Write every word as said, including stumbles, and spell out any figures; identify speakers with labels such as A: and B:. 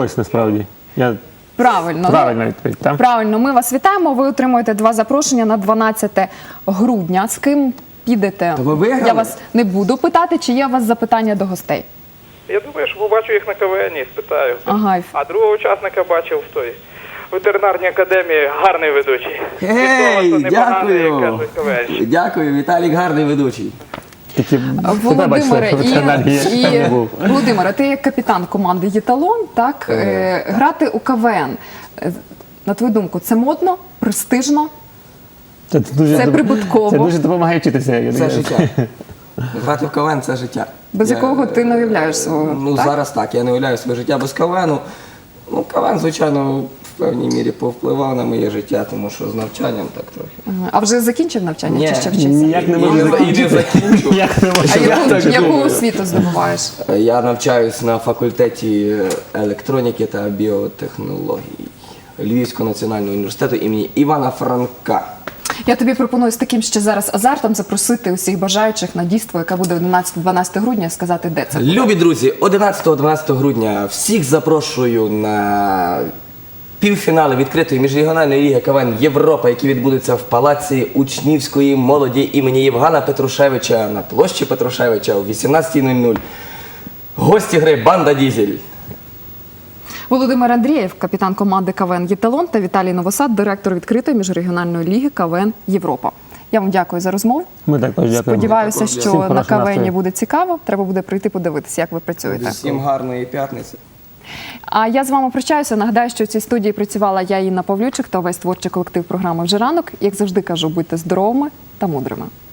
A: вдалося насправді. Я...
B: Правильно.
A: Правильна відповідь, так?
B: Правильно. Ми вас вітаємо. Ви отримуєте два запрошення на дванадцяте грудня. З ким підете?
C: То ви виграли?
B: Я вас не буду питати, чи є у вас запитання до гостей.
D: Я думаю, що побачу їх на КВН і спитаю.
B: Ага.
D: А другого учасника бачив в той ветеринарній академії, гарний ведучий.
C: Гей,
D: Від слова, що непоганий, як
C: дякую.
D: кажуть, КВНщик.
C: Дякую, Віталік гарний ведучий.
A: Тільки
B: Володимире,
A: тебе
B: і,
A: бачите,
B: і,
A: там не був.
B: Володимире, ти як капітан команди «Єталон», так, е, грати у КВН, е, на твою думку, це модно, престижно?
A: Це, дуже,
B: Це прибутково.
A: Це дуже допомагає вчитися. я
C: Це
A: думаю.
C: життя. Грати в КВН – це життя.
B: Без
C: Я-
B: якого ти не уявляєш свого,
C: Ну,
B: так?
C: зараз так, я не уявляю своє життя без КВНу. Ну, КВН, звичайно, в певній мірі повпливав на моє життя, тому що з навчанням так трохи.
B: Ага. А вже закінчив навчання,
C: Ні,
B: чи ще вчишся?
A: Ніяк не
C: І
A: можу
C: не- і не
A: закінчити.
C: закінчу.
A: Як не
B: А
A: можу.
B: яку,
C: так
B: яку
C: думаю.
B: освіту здобуваєш?
C: Я навчаюсь на факультеті електроніки та біотехнологій Львівського національного університету імені Івана Франка.
B: Я тобі пропоную з таким ще зараз азартом запросити усіх бажаючих на дійство, яке буде одинадцятого-дванадцятого грудня, сказати, де це буде.
C: Любі друзі, одинадцятого-дванадцятого грудня всіх запрошую на півфінали відкритої міжрегіональної ліги КВН Європа, які відбудуться в Палаці учнівської молоді імені Євгена Петрушевича на площі Петрушевича о вісімнадцятій нуль нуль. Гості гри «Банда Дізель».
B: Володимир Андрієв, капітан команди КВН «Єталон», та Віталій Новосад, директор відкритої міжрегіональної ліги КВН Європа. Я вам дякую за розмову.
A: Ми також дякуємо.
B: Сподіваюся,
C: Всім
B: що
A: хорошого
B: на
A: настрою.
B: КВН буде цікаво. Треба буде прийти подивитися, як ви працюєте.
C: Всім гарної п'ятниці.
B: А я з вами прощаюся. Нагадаю, що в цій студії працювала я, Інна Павлючик, та весь творчий колектив програми «Вже ранок». Як завжди кажу, будьте здоровими та мудрими.